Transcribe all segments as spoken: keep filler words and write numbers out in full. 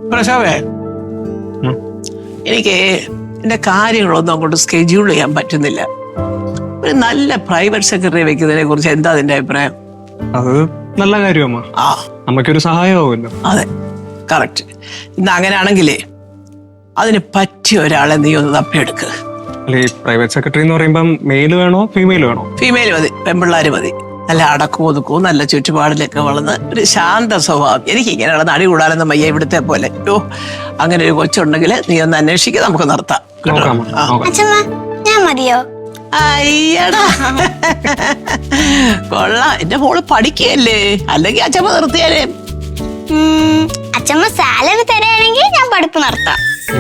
പ്രശോഭേ, എനിക്ക് എന്റെ കാര്യങ്ങളൊന്നും അങ്ങോട്ട് സ്കെഡ്യൂൾ ചെയ്യാൻ പറ്റുന്നില്ല. ഒരു നല്ല പ്രൈവറ്റ് സെക്രട്ടറി വെക്കുന്നതിനെ കുറിച്ച് എന്താ അതിന്റെ അഭിപ്രായം? അത് നല്ല കാര്യമാ. ആ, നമുക്കൊരു സഹായമാവുമല്ലോ. അതെ, കറക്റ്റ്. ഇന്ന് അങ്ങനെയാണെങ്കിലേ അതിന് പറ്റിയ ഒരാളെ നീ ഒന്ന് തപ്പിയെടുക്ക്. അല്ലെ, പ്രൈവറ്റ് സെക്രട്ടറി എന്ന് പറയുമ്പം മെയിൽ വേണോ ഫീമെയിൽ വേണോ? ഫീമെയിൽ മതി, പെൺപിള്ളാര് മതി. നല്ല അടക്കവും ഒതുക്കവും നല്ല ചുറ്റുപാടിലൊക്കെ വളർന്ന് ഒരു ശാന്ത സ്വഭാവം. എനിക്ക് ഇങ്ങനെയുള്ള നടി കൂടാനൊന്നും വയ്യ ഇവിടുത്തെ പോലെ. ഓ, അങ്ങനെ ഒരു കൊച്ചുണ്ടെങ്കിൽ നീ ഒന്ന് അന്വേഷിക്കുക, നമുക്ക് നിർത്താം. ഞാൻ മതിയോ? അയ്യടാ, കൊള്ളാം. എന്റെ മോള് പഠിക്കുകയല്ലേ, അല്ലെങ്കിൽ അച്ഛമ്മ നിർത്തിയാലേ. അച്ഛമ്മ സാലറി തരാണെങ്കിൽ ഞാൻ പഠിപ്പ് നിർത്താം.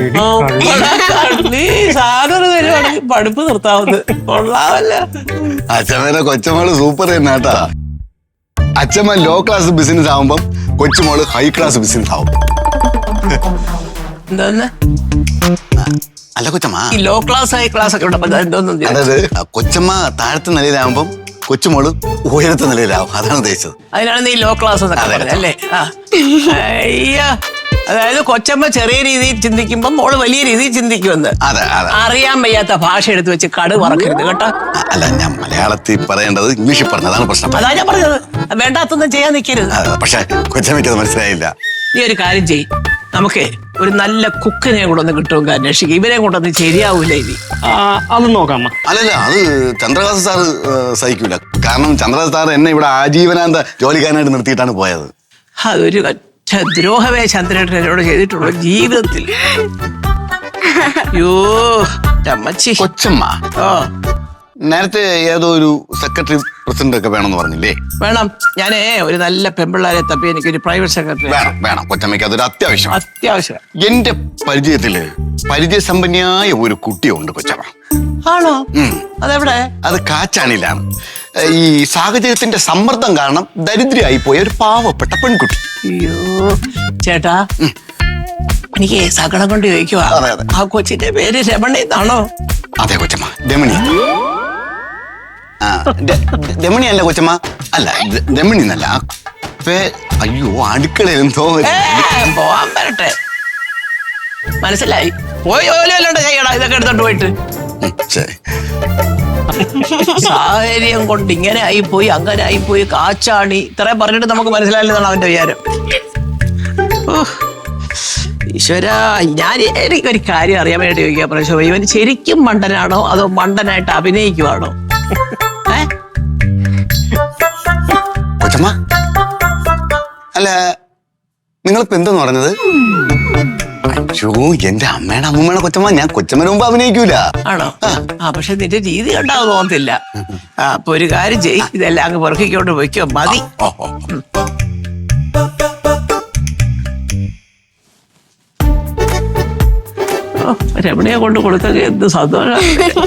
നീ സാലറി തരുവാണെങ്കിൽ പഠിപ്പ് നിർത്താവുന്നത്. കൊള്ളാമല്ല. അച്ഛമ്മേടെ കൊച്ചമോള് സൂപ്പർ തന്നെ കേട്ടാ. അച്ഛമ്മ ലോ ക്ലാസ് ബിസിനസ് ആവുമ്പം കൊച്ചുമോള് ഹൈ ക്ലാസ് ബിസിനസ് ആവും. എന്തോന്ന് അല്ല കൊച്ചമ്മ, ഈ ലോ ക്ലാസ് ഹൈ ക്ലാസ് ഒക്കെ ഉണ്ടപ്പോ എന്തോന്നും. അതായത് കൊച്ചമ്മ താഴത്തെ നിലയിലാവുമ്പം കൊച്ചുമോള് ഉയരത്തെ നിലയിലാവും, അതാണ് ഉദ്ദേശിച്ചത്. അതിനാണ് നീ ലോ ക്ലാസ് എന്നൊക്കെ പറഞ്ഞത് അല്ലേ? ആ, അയ്യോ, അതായത് കൊച്ചമ്മ ചെറിയ രീതിയിൽ ചിന്തിക്കുമ്പോ മോള് വലിയ രീതിയിൽ ചിന്തിക്കുമെന്ന്. അതെ അതെ. അറിയാൻ വയ്യാത്ത ഭാഷ എടുത്ത് വെച്ച് കടു പറക്കരുത് കേട്ടോ. അല്ല, ഞാൻ മലയാളത്തിൽ പറയേണ്ടത് ഇംഗ്ലീഷിൽ പറഞ്ഞതാണ് പ്രശ്നം. അതാ ഞാൻ പറഞ്ഞത്, വേണ്ടാത്തൊന്നും ചെയ്യാൻ നിൽക്കരുത്. പക്ഷെ കൊച്ചമ്മയ്ക്ക് അത് മനസ്സിലായില്ല. നീ ഒരു കാര്യം ചെയ്യ്, നമുക്ക് ഒരു നല്ല കുക്കിനെ കൂടെ ഒന്ന് കിട്ടുമെങ്കിൽ അന്വേഷിക്കും. ഇവരെ കൊണ്ടൊന്നും ശരിയാവൂല ഇനി. അത് നോക്കാം. അല്ലല്ല, അത് ചന്ദ്രകാസ് സാറ് സഹിക്കൂല. കാരണം ചന്ദ്രകാസ് സാർ എന്നെ ഇവിടെ ആജീവനാന്ത ജോലിക്കാരനായിട്ട് നിർത്തിയിട്ടാണ് പോയത്. അതൊരു ദ്രോഹമേ ചന്ദ്രേട്ടനോട് ചെയ്തിട്ടുള്ളൂ ജീവിതത്തിൽ. യോ അമ്മച്ചി. കൊച്ചമ്മ ഓ, നേരത്തെ ഏതോ ഒരു സെക്രട്ടറി പ്രസിഡന്റ് ഒക്കെ വേണമെന്ന് പറഞ്ഞില്ലേ? വേണം. ഞാനേ ഒരു നല്ല പെമ്പിള്ളാരെ തപ്പി എനിക്കൊരു പ്രൈവറ്റ് സെക്രട്ടറി വേണം വേണം കൊച്ചമ്മയ്ക്ക് അതൊരു അത്യാവശ്യം. അത്യാവശ്യം. എന്റെ പരിചയത്തില് പരിചയസമ്പന്നയായ ഒരു കുട്ടിയുണ്ട് കൊച്ചമ്മ. ആണോ? അതെവിടെ? അത് കാച്ചാണിലാണ്. ഈ സാഹചര്യത്തിന്റെ സമ്മർദ്ദം കാരണം ദരിദ്രയായി പോയ ഒരു പാവപ്പെട്ട പെൺകുട്ടി. അയ്യോ ചേട്ടാ, എനിക്ക് സകടം കൊണ്ട് ചോദിക്കുവാ, ആ കൊച്ചിന്റെ പേര് രമണി എന്നാണോ? അതെ കൊച്ചമ്മ, രമണി. ആ, രമണി അല്ല കൊച്ചമ്മ, അല്ല രമണി എന്നല്ല. അയ്യോ, അടുക്കളയിൽ എന്തോ പോവാൻ വരട്ടെ. മനസ്സിലായി. പോയി ജോലിയല്ലാണ്ട് ചെയ്യണം ഇതൊക്കെ എടുത്തോണ്ട് പോയിട്ട്. ശരി. സാഹചര്യം കൊണ്ട് ഇങ്ങനെ ആയിപ്പോയി, അങ്ങനെ ആയിപ്പോയി, കാച്ചാണി ഇത്രയും പറഞ്ഞിട്ട് നമുക്ക് മനസ്സിലായില്ലെന്നാണ് അവന്റെ വിചാരം. ഈശ്വര, ഞാൻ എനിക്കൊരു കാര്യം അറിയാൻ വേണ്ടി ചോദിക്കുക പ്രശോഭ, ഇവൻ ശരിക്കും മണ്ടനാണോ അതോ മണ്ടനായിട്ട് അഭിനയിക്കുവാണോ? ഏ കൊച്ചമ്മ, അല്ല നിങ്ങളിപ്പോ എന്തെന്ന് പറഞ്ഞത്? അയ്യോ, എന്റെ അമ്മയുടെ അമ്മൂമ്മയുടെ കൊച്ചമ്മ, ഞാൻ കൊച്ചമ്മന് മുമ്പ് അഭിനയിക്കൂല. ആണോ? ആ, പക്ഷെ നിന്റെ രീതി കണ്ടാവും തോന്നത്തില്ല. ആ, അപ്പൊ ഒരു കാര്യം ചെയ്യ്, ഇതെല്ലാം അങ്ങ് പെറുക്കിക്കൊണ്ട് പോയിക്കോ. മതി. രമണിയെ കൊണ്ട് കൊടുത്തൊക്കെ എന്ത് സന്തോഷം.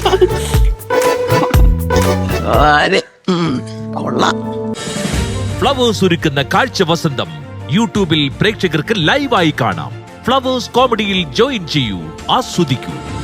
കൊള്ളാം. ഫ്ലവേഴ്സ് ഒരുക്കുന്ന കാഴ്ച വസന്തം യൂട്യൂബിൽ പ്രേക്ഷകർക്ക് ലൈവായി കാണാം. ഫ്ലവേഴ്സ് കോമഡിയിൽ ജോയിൻ ചെയ്യൂ, ആസ്വദിക്കൂ.